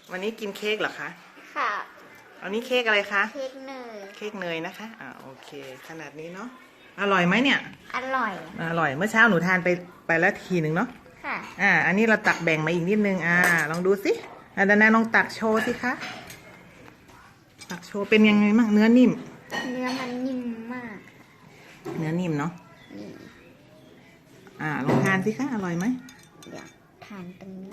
วันนี้กินเค้กเหรอคะค่ะอันนี้เค้กอะไรคะเค้กเนยเค้กเนยนะคะโอเค ขนาดนี้เนาะ อร่อยไหมเนี่ยอร่อยอร่อย เมื่อเช้าหนูทานไปแล้วทีหนึ่งเนาะค่ะอันนี้เราตักแบ่งมาอีกนิดนึง ลองดูสิดานาลองตักโชว์สิคะ ตักโชว์เป็นยังไงบ้างเนื้อนิ่มเนื้อมันนิ่มมากเนื้อนิ่มเนาะนี่ลองทานสิคะ อร่อยไหมอยากทานตรงนี้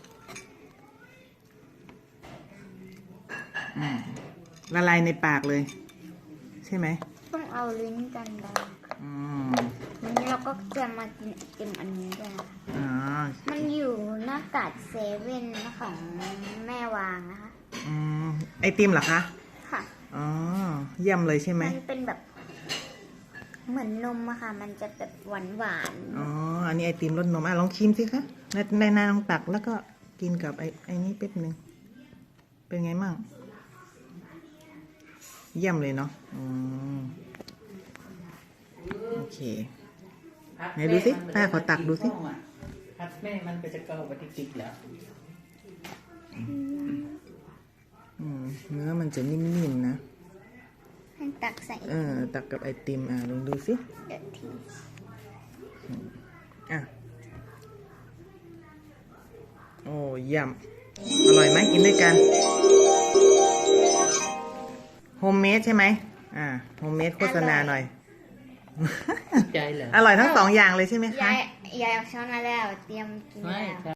ละลายในปากเลย ใช่ไหมต้องเอาลิ้นกันดาอืมวันนี้เราก็จะมากินไอติมอันนี้ด้วยนะคะอ๋อมันอยู่หน้ากาดเซเว่นของแม่วางนะคะอืมไอติมเหรอคะค่ะอ๋อเยี่ยมเลยใช่ไหมมันเป็นแบบ เหมือนนมอะค่ะ มันจะแบบหวานหวานอ๋อ อันนี้ไอติมรสนมลองชิมสิคะในนาลองตักแล้วก็กินกับไอนี้แป๊บนึง เป็นไงมั่ง เยี่ยมเลยเนาะโอเค ไหนดูสิป้าขอตักดูสิพัดแม่มันก็จะเกาไปติ๊กๆแล้วเนื้อมันจะนิ่มๆนะให้ตักใส่ตักกับไอติมลองดูสิเดี๋ยวทีโอ้เยี่ยมอร่อยไหมกินด้วยกันโฮมเมดใช่ไหมโฮมเมดโฆษณาหน่อยใจเหรออร่อยทั้งสองอย่างเลยใช่ไหมคะยายเอาช้อนมาแล้ว เตรียมกินไม่แล้วครับ